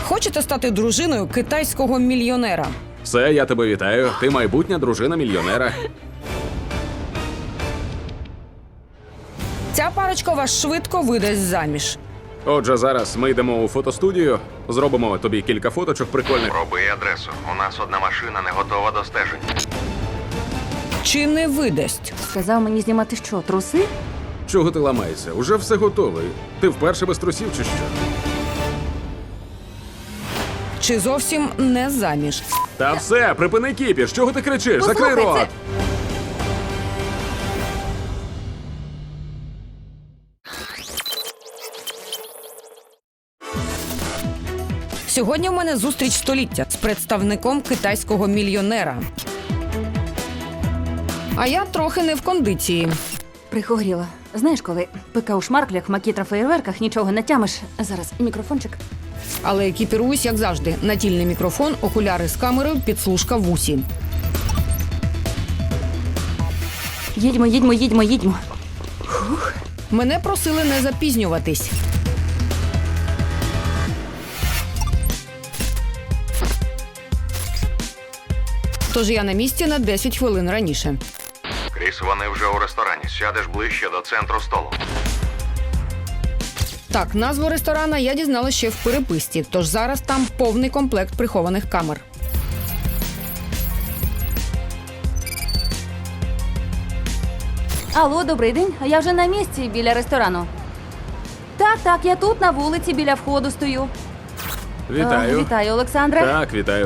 Хочете стати дружиною китайського мільйонера? Все, я тебе вітаю. Ти майбутня дружина мільйонера. Ця парочка вас швидко видасть заміж. Отже, зараз ми йдемо у фотостудію, зробимо тобі кілька фоточок прикольних. Роби адресу. У нас одна машина не готова до стежень. Чи не видасть? Сказав мені знімати що, труси? Чого ти ламаєшся? Уже все готове. Ти вперше без трусів чи що? Чи зовсім не заміж? Та все, припини кіпіш. Чого ти кричиш? Закрий Послухай, рот! Сьогодні в мене зустріч століття з представником китайського мільйонера. А я трохи не в кондиції. Прихворіла. Знаєш, коли пика у шмарклях, макітра феєрверках, нічого не тямиш. Зараз мікрофончик. Але екіпіруюсь, як завжди. Натільний мікрофон, окуляри з камерою, підслужка в усі. Їдьмо. Мене просили не запізнюватись. Тож я на місці на 10 хвилин раніше. Кріс, вони вже у ресторані. Сядеш ближче до центру столу. Так, назву ресторана я дізналася ще в переписці, тож зараз там повний комплект прихованих камер. Алло, добрий день. Я вже на місці біля ресторану. Так, я тут на вулиці біля входу стою. Вітаю. Вітаю, Олександре. Так, вітаю.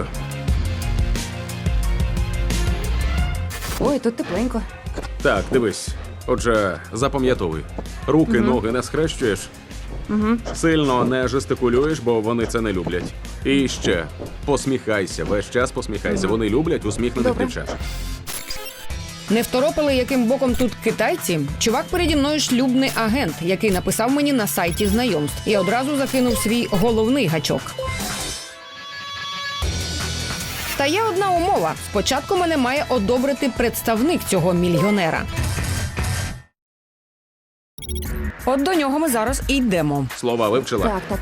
Ой, тут тепленько. Так, дивись. Отже, запам'ятовуй. Руки, ноги не схрещуєш. Сильно не жестикулюєш, бо вони це не люблять. І ще посміхайся, весь час посміхайся. Вони люблять усміхнених Добре. дівчат. Не второпили, яким боком тут китайці? Чувак переді мною шлюбний агент, який написав мені на сайті знайомств. І одразу закинув свій головний гачок. Та є одна умова. Спочатку мене має одобрити представник цього мільйонера. От до нього ми зараз і йдемо. Слова вивчила? Так.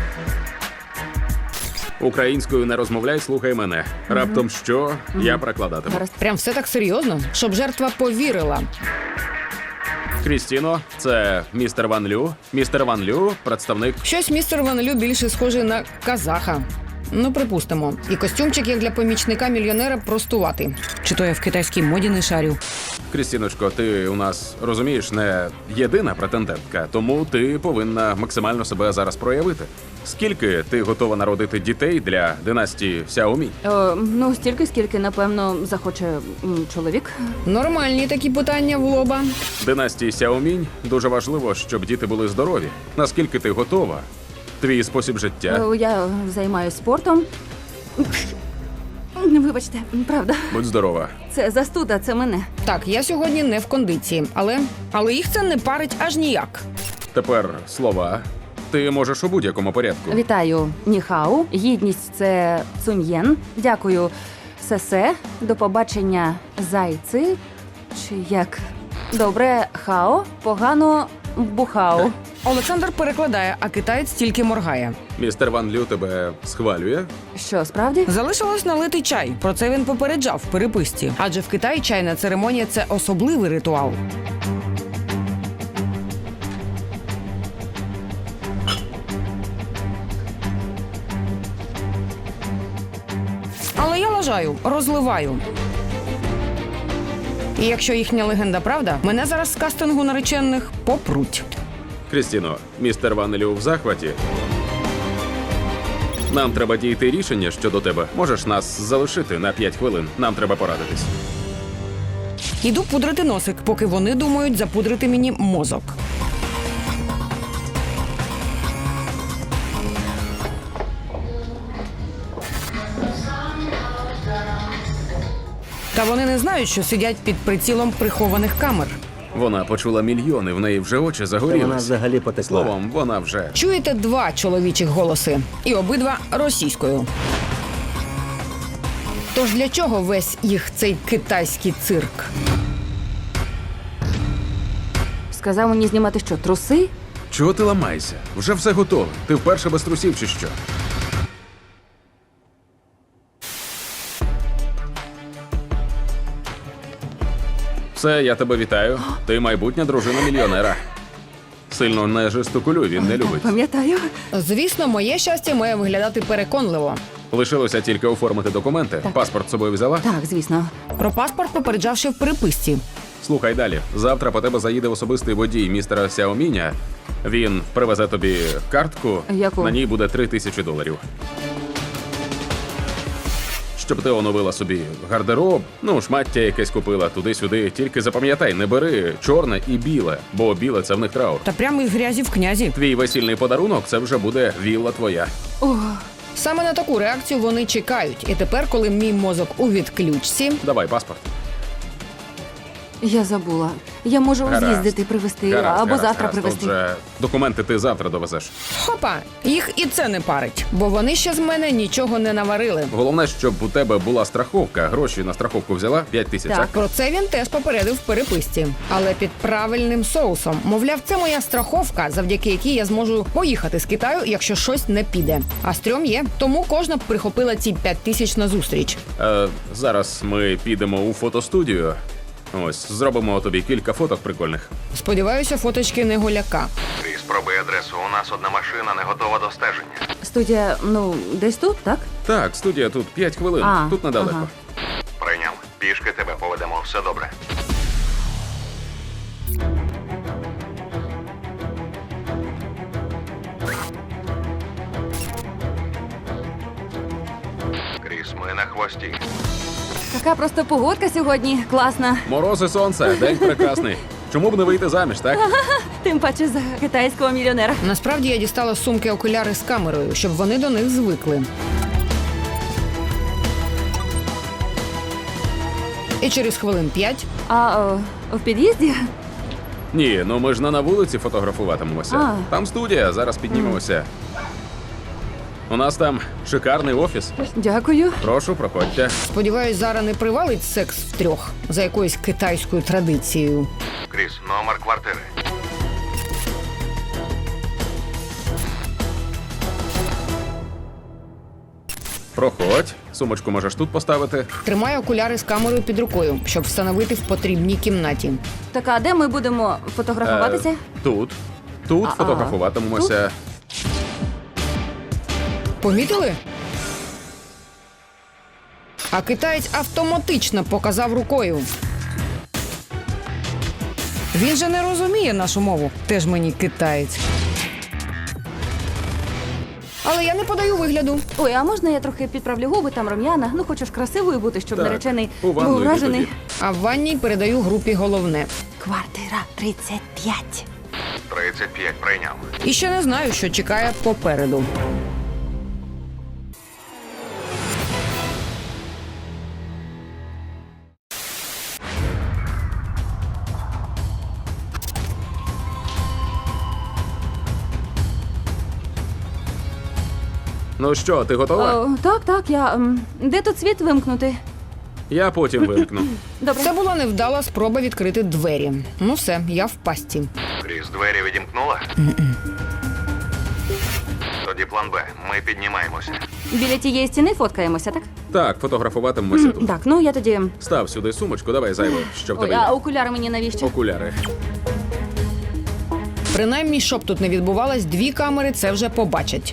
Українською не розмовляй, слухай мене. Раптом що, я прокладатиму. Гаразд. Прям все так серйозно, щоб жертва повірила. Крістіно, це містер Ван Лю. Містер Ван Лю, представник. Щось містер Ван Лю більше схожий на казаха. Ну, припустимо. І костюмчик, як для помічника мільйонера, простуватий. Чи то я в китайській моді не шарю? Крістіночко, ти у нас, розумієш, не єдина претендентка, тому ти повинна максимально себе зараз проявити. Скільки ти готова народити дітей для династії Сяомінь? Ну, стільки, скільки, напевно, захоче чоловік. Нормальні такі питання в лоба. Династії Сяомінь дуже важливо, щоб діти були здорові. Наскільки ти готова? Твій спосіб життя. Я займаюся спортом. Вибачте, правда. Будь здорова. Це застуда, це мене. Так, я сьогодні не в кондиції, але їх це не парить аж ніяк. Тепер слова. Ти можеш у будь-якому порядку. Вітаю, ніхау. Гідність – це цуньєн. Дякую, сесе. До побачення, зайци. Чи як? Добре, хао. Погано, бухао. Олександр перекладає, а китаєць тільки моргає. Містер Ван Лю тебе схвалює. Що, справді? Залишилось налити чай. Про це він попереджав в переписці. Адже в Китаї чайна церемонія – це особливий ритуал. Але я лажаю, розливаю. І якщо їхня легенда правда, мене зараз з кастингу наречених попруть. Крістіно, містер Ван Лю в захваті. Нам треба дійти рішення щодо тебе. Можеш нас залишити на 5 хвилин. Нам треба порадитись. Іду пудрити носик, поки вони думають запудрити мені мозок. Та вони не знають, що сидять під прицілом прихованих камер. Вона почула мільйони, в неї вже очі Та вона загорілись. взагалі потекла. Словом, вона вже. Чуєте два чоловічих голоси. І обидва російською. Тож для чого весь їх цей китайський цирк? Сказав мені знімати що, труси? Чого ти ламаєшся? Вже все готове. Ти вперше без трусів чи що? Все, я тебе вітаю. Ти майбутня дружина мільйонера. Сильно не жестикулюй, він не любить. Пам'ятаю. Звісно, моє щастя має виглядати переконливо. Лишилося тільки оформити документи. Паспорт з собою взяла? Так, звісно. Про паспорт попереджавши в переписці. Слухай далі. Завтра по тебе заїде особистий водій містера Сяоміня. Він привезе тобі картку. Яку? На ній буде $3000. Щоб ти оновила собі гардероб, шмаття якесь купила туди-сюди. Тільки запам'ятай, не бери чорне і біле, бо біле це в них траур. Та прямо із грязі в князі. Твій весільний подарунок це вже буде вілла твоя. Саме на таку реакцію вони чекають. І тепер, коли мій мозок у відключці, Давай паспорт. Я забула. Я можу Гаразд. з'їздити, привезти, Гаразд, або гаразд, завтра гаразд. привезти. Отже, документи ти завтра довезеш. хопа, їх і це не парить, бо вони ще з мене нічого не наварили. Головне, щоб у тебе була страховка. Гроші на страховку взяла 5000, Так. так? Про це він теж попередив в переписці, але під правильним соусом. Мовляв, це моя страховка, завдяки якій я зможу поїхати з Китаю, якщо щось не піде. А стрьом є, тому кожна б прихопила ці 5000 на зустріч. Зараз ми підемо у фотостудію. Ось, зробимо тобі кілька фоток прикольних. Сподіваюся, фоточки не голяка. Кріс, пробуй адресу. У нас одна машина не готова до стеження. Студія, десь тут, так? Так, студія тут 5 хвилин. А, Тут недалеко. ага. Прийняв. Пішки тебе поведемо, все добре. Кріс, ми на хвості. Така просто погодка сьогодні. Класна. Морози, сонце, день прекрасний. Чому б не вийти заміж, так? Тим паче за китайського мільйонера. Насправді я дістала з сумки окуляри з камерою, щоб вони до них звикли. І через хвилин 5 В під'їзді? Ні, ми ж не на вулиці фотографуватимемося. А. Там студія, зараз піднімемося. У нас там шикарний офіс. Дякую. Прошу, проходьте. сподіваюсь, Зара не привалить секс втрьох за якоюсь китайською традицією. Кріс, номер квартири. Проходь. Сумочку можеш тут поставити. Тримаю окуляри з камерою під рукою, щоб встановити в потрібній кімнаті. Так, а де ми будемо фотографуватися? Тут. Тут фотографуватимемося. Помітили? А китаєць автоматично показав рукою. Він же не розуміє нашу мову. Теж мені китаєць. Але я не подаю вигляду. Ой, а можна я трохи підправлю губи, там рум'яна? Хочу ж красивою бути, щоб Так, наречений у ванну був йди вражений. тоді. А в ванній передаю групі головне. Квартира 35. 35 прийняв. І ще не знаю, що чекає попереду. Ну що, ти готова? Так, я... Де тут світ вимкнути? Я потім вимкну. Добре. Це була невдала спроба відкрити двері. Ну все, я в пастці. Кріс, двері відімкнула? Тоді план Б. Ми піднімаємося. Біля тієї стіни фоткаємося, так? Так, фотографуватимемося тут. Так, я тоді... Став сюди сумочку, давай зайве, щоб Ой, тебе а є. окуляри мені навіщо? Окуляри. Принаймні, щоб тут не відбувалось, 2 камери це вже побачать.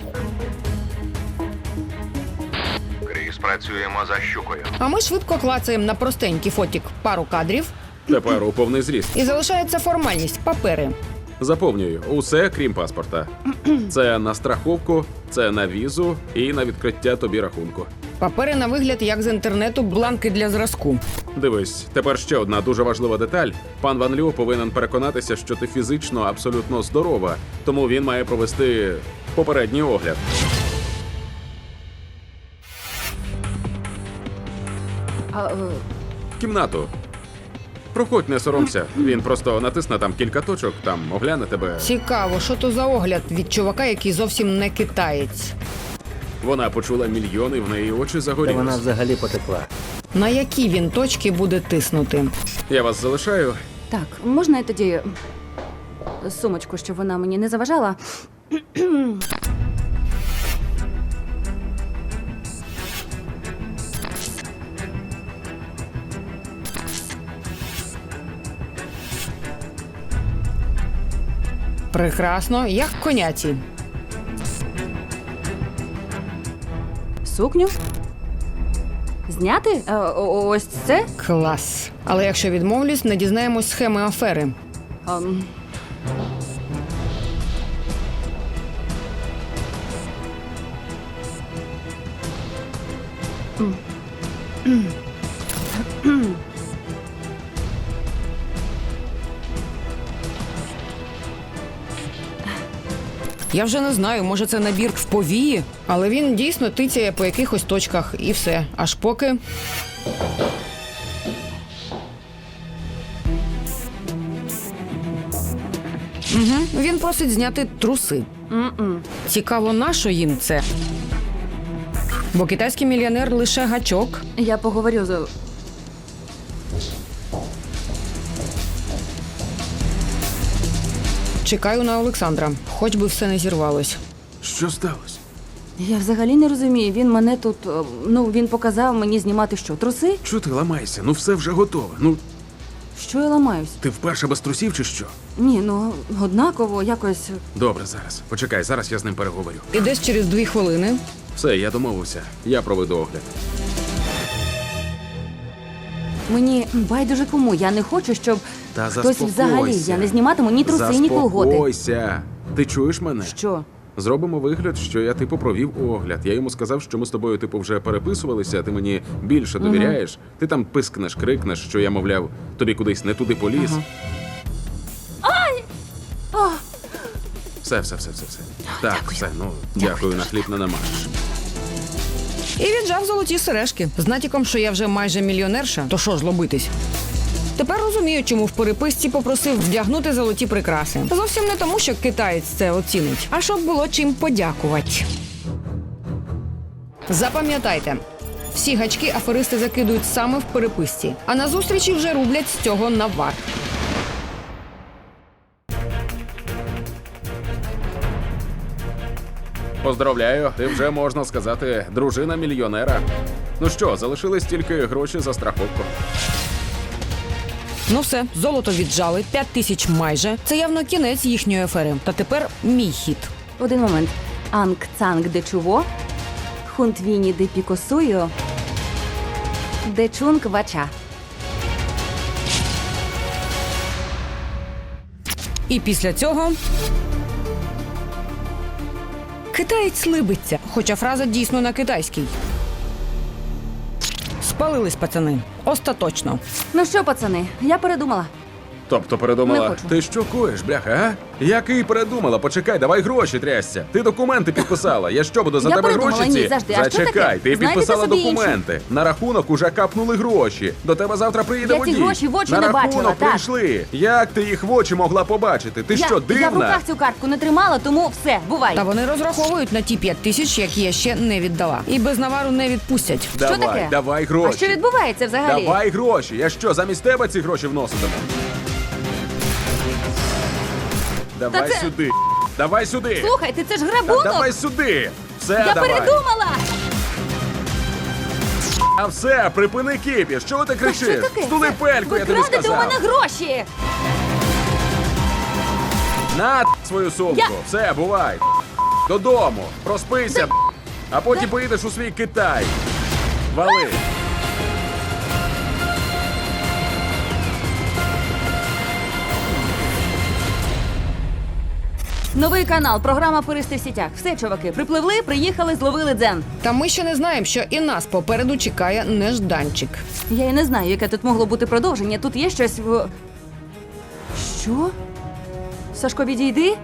Кріс, працюємо за щукою. А ми швидко клацаємо на простенький фотік пару кадрів, Тепер у повний зріст. і залишається формальність – папери. Заповнюю усе, крім паспорта. Це на страховку, це на візу і на відкриття тобі рахунку. Папери на вигляд, як з інтернету, бланки для зразку. Дивись, тепер ще одна дуже важлива деталь. Пан Ван Лю повинен переконатися, що ти фізично абсолютно здорова, тому він має провести попередній огляд. Кімнату. Проходь, не соромся. Він просто натисне там кілька точок, там огляне тебе. Цікаво, що то за огляд від чувака, який зовсім не китаєць. Вона почула мільйони, в неї очі Та загорілись. вона взагалі потекла. На які він точки буде тиснути? Я вас залишаю. Так, можна я тоді сумочку, щоб вона мені не заважала? Прекрасно, як коняці. Сукню? Зняти? Ось це? Клас. Але якщо відмовлюсь, не дізнаємось схеми афери. Ем, Я вже не знаю, може це набір в повії, але він дійсно тицяє по якихось точках і все. Аж поки... Він просить зняти труси. Цікаво, нащо їм це? Бо китайський мільйонер лише гачок. Я поговорю з... Чекаю на Олександра, хоч би все не зірвалось. Що сталося? Я взагалі не розумію. Він мене тут... він показав мені знімати що? Труси? Чого ти ламаєшся? Ну все вже готове. Ну, Що я ламаюсь? ти вперше без трусів чи що? Ні, однаково, якось... Добре, зараз. Почекай, зараз я з ним переговорю. І десь через 2 хвилини Все, я домовився. Я проведу огляд. Мені байдуже кому. Я не хочу, щоб Та хтось заспокойся. взагалі... Я не зніматиму ні труси, ні колготи. Заспокойся. Ти чуєш мене? Що? Зробимо вигляд, що я типу провів огляд. Я йому сказав, що ми з тобою типу вже переписувалися, а ти мені більше довіряєш. Ти там пискнеш, крикнеш, що я, мовляв, тобі кудись не туди поліз. Все. Так, все, дякую, на хліб не намажеш. і віджав золоті сережки. З натяком, що я вже майже мільйонерша, то що ж лобитись? Тепер розумію, чому в переписці попросив вдягнути золоті прикраси. Зовсім не тому, що китаєць це оцінить, а щоб було чим подякувати. Запам'ятайте, всі гачки аферисти закидують саме в переписці, а на зустрічі вже рублять з цього навар. Поздравляю, ти вже, можна сказати, дружина мільйонера. Ну що, залишились тільки гроші за страховку. Ну все, золото віджали, 5000 майже. Це явно кінець їхньої афери. Та тепер мій хід. Один момент. Анг Цанг де Чуво, Хунтвіні де Пікосую, де Чунг Вача. І після цього... Китаєць либиться, хоча фраза дійсно на китайській. Спалились, пацани. Остаточно. Ну що, пацани, я передумала. Тобто передумала, Не хочу. ти що коїш, бляха, а? Який передумала? Почекай, давай гроші трясся. Ти документи підписала. Я що, буду за Я тебе передумала, гроші ні, ці? завжди. А що Зачекай, таке? ти Знайдете підписала собі документи. На рахунок уже капнули гроші. До тебе завтра приїде Я ці водій. гроші в очі на не рахунок бачила, так. прийшли. Як ти їх в очі могла побачити? Ти що, Я в дивна? руках цю картку не тримала, тому все, бувай. Та вони розраховують на ті 5000, які я ще не віддала. І без навару не відпустять. Давай, Що таке? давай гроші. А що відбувається взагалі? Давай гроші. Я що, замість тебе ці гроші вноситиму? Давай це- сюди. Давай сюди. Слухайте, це ж Та грабунок! давай сюди. Все, Я давай. передумала! А все, припини кипіш. Чого ти кричиш? Що таке? Стули пельку, Ви я тобі крадете у сказав. мене гроші! На свою сумку. Я- Все, бувай. Додому. Проспися. А потім поїдеш у свій Китай. Вали. Новий канал, програма «Аферисти в сітях». Все, чуваки, припливли, приїхали, зловили дзен. Та ми ще не знаємо, що і нас попереду чекає нежданчик. Я і не знаю, яке тут могло бути продовження. Тут є щось в... Що? Сашко, відійди?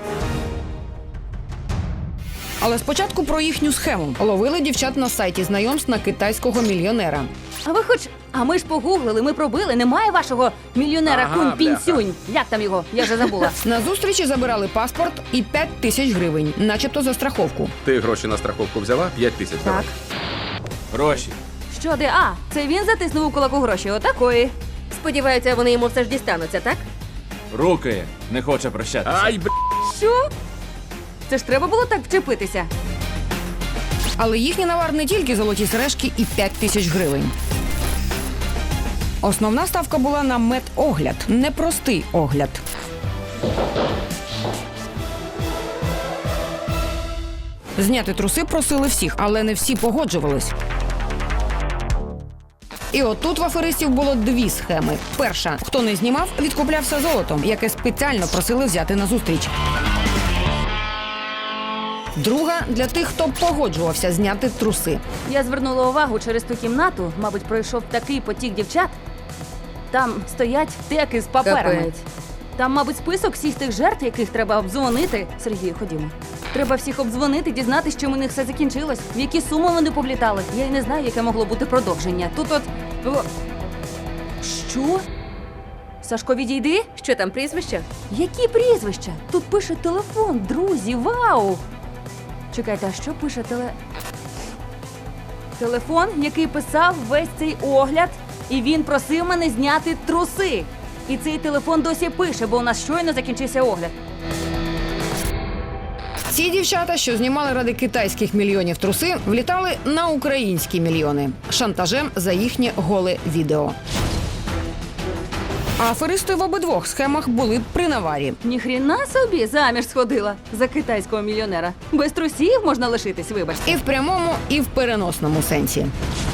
Але спочатку про їхню схему. Ловили дівчат на сайті знайомств на китайського мільйонера. А ви хоч... А ми ж погуглили, ми пробили. Немає вашого мільйонера Ага, Кунь бляха. Пінсюнь. Як там його? Я вже забула. На зустрічі забирали паспорт і 5000 гривень, начебто за страховку. Ти гроші на страховку взяла? 5000 давай. Так. Гроші. Що де? А, це він затиснув у кулаку гроші. Отакої. Сподіваються, вони йому все ж дістануться, так? Руки не хоче прощатися. Ай, б***. Що? Це ж треба було так вчепитися. Але їхній навар не тільки золоті сережки і 5000 гривень. Основна ставка була на медогляд, непростий огляд. Зняти труси просили всіх, але не всі погоджувались. І отут в аферистів було дві схеми. Перша, хто не знімав, відкуплявся золотом, яке спеціально просили взяти на зустріч. Друга – для тих, хто погоджувався зняти труси. Я звернула увагу через ту кімнату, мабуть, пройшов такий потік дівчат. Там стоять теки з паперами. Капець. Там, мабуть, список всіх тих жертв, яких треба обдзвонити. Сергію, ходімо. Треба всіх обдзвонити, дізнатися, чим у них все закінчилось, в які суми вони повлітали. Я й не знаю, яке могло бути продовження. Тут от... О! Що? Сашко, відійди? Що там, прізвище? Які прізвища? Тут пише телефон, друзі, вау! Чекайте, а що пише телефон, який писав весь цей огляд, і він просив мене зняти труси. І цей телефон досі пише, бо у нас щойно закінчився огляд. Ці дівчата, що знімали ради китайських мільйонів труси, влітали на українські мільйони шантажем за їхнє голе відео. А аферисти в обидвох схемах були при наварі. Ніхріна собі заміж сходила за китайського мільйонера. Без трусів можна лишитись, вибачте. І в прямому, і в переносному сенсі.